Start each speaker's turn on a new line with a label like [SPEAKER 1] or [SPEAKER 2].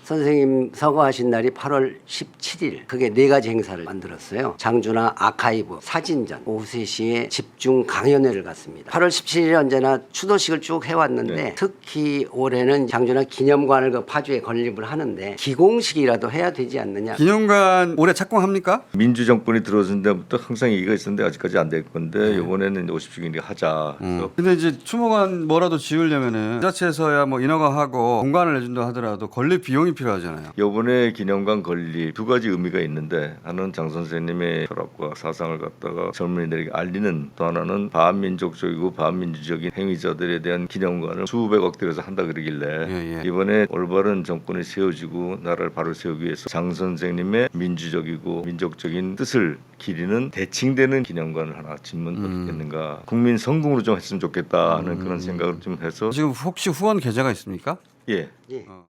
[SPEAKER 1] 선생님 서거하신 날이 8월 17일. 그게 4가지 행사를 만들었어요. 장준하 아카이브, 사진전, 오후 3시에 집중 강연회를 갔습니다. 8월 17일에 언제나 추도식을 쭉 해왔는데
[SPEAKER 2] 네.
[SPEAKER 1] 특히 올해는 장준하 기념관을 그 파주에 건립을 하는데 기공식이라도 해야 되지 않느냐.
[SPEAKER 3] 기념관 올해 착공합니까?
[SPEAKER 2] 민주정권이 들어선 데부터 항상 얘기가 있었는데 아직까지 안 될 건데 이번에는 50주기니까 하자. 그래서
[SPEAKER 3] 근데 이제 추모관 뭐라도 지으려면은 지자체에서야 뭐 인허가 하고 공간을 내준다 하더라도 건립 비용이 필요하잖아요.
[SPEAKER 2] 이번에 기념관 건립 2가지 의미가 있는데 하나는 장 선생님의 철학과 사상을 갖다가 젊은이들에게 알리는, 또 하나는 반민족적이고 반민주적인 행위자들에 대한 기념관을 수백억 들여서 한다 그러길래 이번에 올바른 정권이 세워지고 나라를 바로 세우기 위해서 장 선생님의 민주적이고 민족적인 뜻을 기리는 대칭되는 기념관을 하나 짓면 어떻겠는가. 국민 성공으로 좀 했으면 좋겠다 하는 그런 생각을 좀 해서
[SPEAKER 3] 지금 혹시 후원 계좌가 있습니까?
[SPEAKER 2] 예.
[SPEAKER 1] 예.